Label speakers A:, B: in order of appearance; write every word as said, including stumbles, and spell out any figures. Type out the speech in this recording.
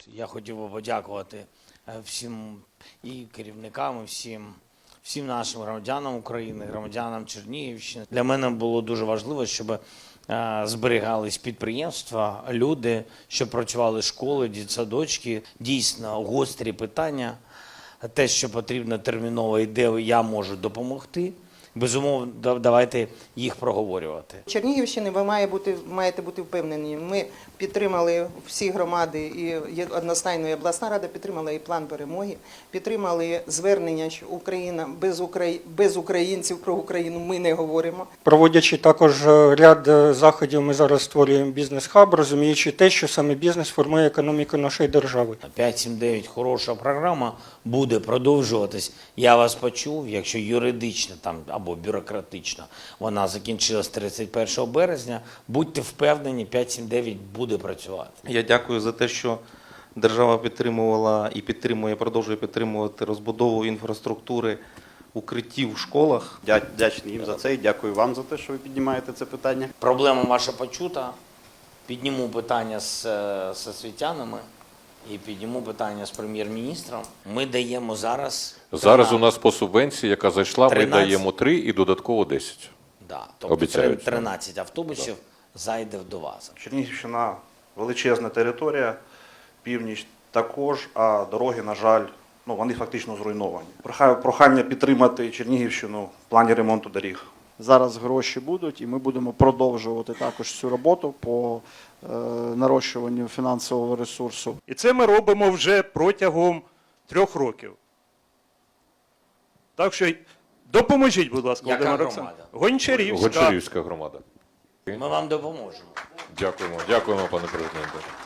A: Я хотів би подякувати е, всім і керівникам, і всім, всім нашим громадянам України, громадянам Чернігівщини. Для мене було дуже важливо, щоб е, зберігались підприємства, люди, щоб працювали школи, дитсадочки. Дійсно гострі питання, те, що потрібно терміново і де я можу допомогти. Безумовно, да- давайте їх проговорювати.
B: Чернігівщини ви має бути, маєте бути впевнені. Ми підтримали всі громади, і є- одностайно і обласна рада підтримала і план перемоги, підтримали звернення, що Україна без, Украї... без українців про Україну ми не говоримо.
C: Проводячи також е, ряд е, заходів, ми зараз створюємо бізнес-хаб, розуміючи те, що саме бізнес формує економіку нашої держави.
A: п'ять сім дев'ять хороша програма, буде продовжуватись. Я вас почув, якщо юридично там або бюрократично вона закінчилась тридцять першого березня, будьте впевнені, п'ять сім дев'ять буде працювати.
D: Я дякую за те, що держава підтримувала і підтримує, продовжує підтримувати розбудову інфраструктури укриттів в школах.
E: Дя- Вдячний їм за це і дякую вам за те, що ви піднімаєте це питання.
A: Проблема ваша почута. Підніму питання з, е, з освітянами і підніму питання з прем'єр-міністром. Ми даємо зараз...
F: Зараз у нас по субвенції, яка зайшла, ми
A: тринадцять.
F: даємо три і додатково десять.
A: Да, тобто
F: Обіцяють.
A: тринадцять автобусів зайде до вас.
E: Чернігівщина величезна територія, північ також, а дороги, на жаль, ну, вони фактично зруйновані. Прохаю- Прохання підтримати Чернігівщину в плані ремонту доріг.
G: Зараз гроші будуть, і ми будемо продовжувати також цю роботу по е, нарощуванню фінансового ресурсу.
H: І це ми робимо вже протягом трьох років. Так що допоможіть, будь ласка,
A: Яка
H: Володимир
A: громада?
H: Олександрович. Гончарівська.
F: Гончарівська громада.
A: Ми вам допоможемо.
F: Дякуємо, дякуємо, пане президенте.